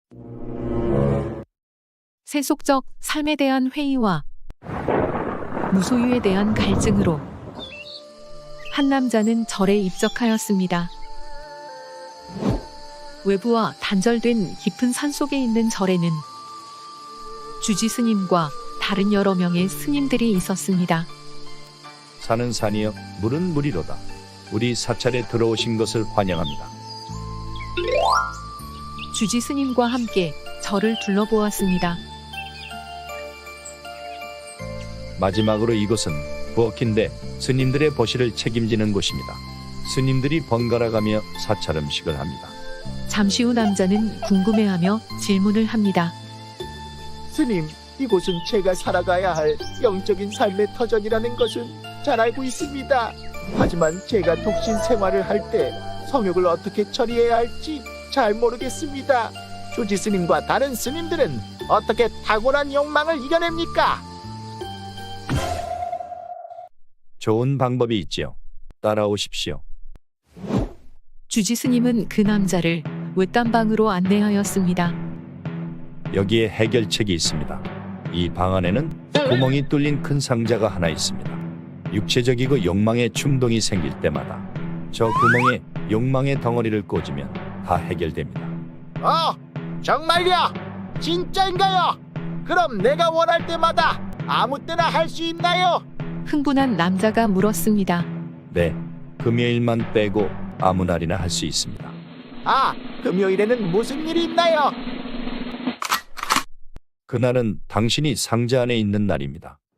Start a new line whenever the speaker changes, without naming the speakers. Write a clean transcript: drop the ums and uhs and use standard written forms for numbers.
세속적 삶에 대한 회의와 무소유에 대한 갈증으로 한 남자는 절에 입적하였습니다. 외부와 단절된 깊은 산속에 있는 절에는 주지 스님과 다른 여러 명의 스님들이 있었습니다.
산은 산이여 물은 물이로다. 우리 사찰에 들어오신 것을 환영합니다.
주지 스님과 함께 절을 둘러보았습니다.
마지막으로 이곳은 부엌인데 스님들의 보시를 책임지는 곳입니다. 스님들이 번갈아가며 사찰 음식을 합니다.
잠시 후 남자는 궁금해하며 질문을 합니다.
스님, 이곳은 제가 살아가야 할 영적인 삶의 터전이라는 것은 잘 알고 있습니다. 하지만 제가 독신 생활을 할 때 성욕을 어떻게 처리해야 할지 잘 모르겠습니다. 조지 스님과 다른 스님들은 어떻게 탁월한 욕망을 이겨냅니까?
좋은 방법이 있지요. 따라오십시오.
주지 스님은 그 남자를 외딴방으로 안내하였습니다.
여기에 해결책이 있습니다. 이 방 안에는 구멍이 뚫린 큰 상자가 하나 있습니다. 육체적이고 욕망의 충동이 생길 때마다 저 구멍에 욕망의 덩어리를 꽂으면 다 해결됩니다.
정말요? 진짜인가요? 그럼 내가 원할 때마다 아무 때나 할 수 있나요?
흥분한 남자가 물었습니다.
네, 금요일만 빼고 아무 날이나 할 수 있습니다.
금요일에는 무슨 일이 있나요?
그날은 당신이 상자 안에 있는 날입니다.